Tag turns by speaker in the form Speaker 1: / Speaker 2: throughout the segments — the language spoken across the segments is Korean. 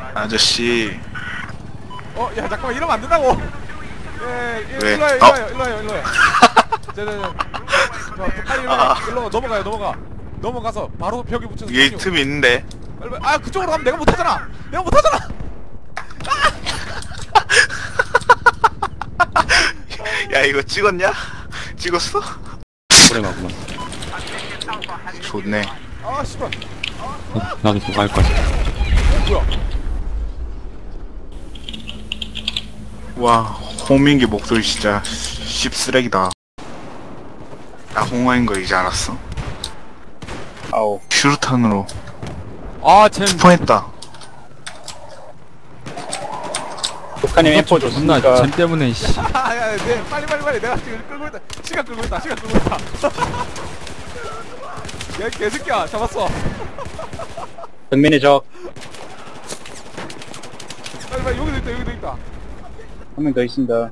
Speaker 1: 아저씨.
Speaker 2: 야 잠깐만 이러면 안 된다고.
Speaker 1: 왜?
Speaker 2: 일로 와요. 빨리 일로 넘어가서 바로 벽에 붙여서.
Speaker 1: 위에 틈이 있는데.
Speaker 2: 빨리. 그쪽으로 가면 내가 못하잖아.
Speaker 1: 야 이거 찍었냐? 찍었어?
Speaker 3: 오래 가구만.
Speaker 1: 좋네.
Speaker 2: 씨발.
Speaker 3: 나도 그거 할 거야.
Speaker 2: 뭐야?
Speaker 1: 와 홍민기 목소리 진짜 씹쓰레기다. 나 홍어인 거 이제 알았어.
Speaker 3: 아우.
Speaker 1: 슈루탄으로
Speaker 3: 쟨
Speaker 1: 투포했다.
Speaker 3: 북한님 엠포 좋습니까? 쟨 때문에 씨.
Speaker 2: 빨리 내가 지금 끌고 있다. 시간 끌고 있다. 야 개새끼야 잡았어.
Speaker 3: 정면의 적.
Speaker 2: 빨리 여기도 있다.
Speaker 3: 한 명 더 있습니다.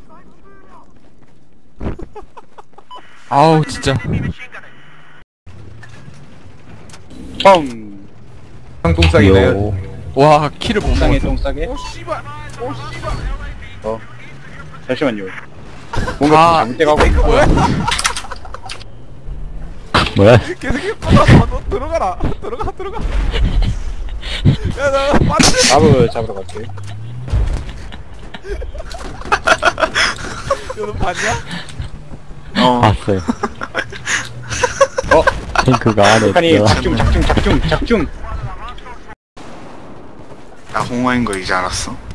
Speaker 3: 아우 진짜. 뻥.
Speaker 4: 똥싸기네요.
Speaker 3: 와 키를 못
Speaker 4: 똥싸게
Speaker 3: 먹었어.
Speaker 4: 똥싸게.
Speaker 2: 씨발.
Speaker 3: 잠시만요. 뭔가 잘못돼가고 있는 거야. 뭐야?
Speaker 2: 개새끼 빨라서 너 들어가라. 들어가. 야나 빠르게.
Speaker 3: 밥을 잡으러 갈게.
Speaker 2: 너 봤냐?
Speaker 3: 봤어요. 탱크가 안에 있어. 작중.
Speaker 1: 나 홍어인 거 이제 알았어.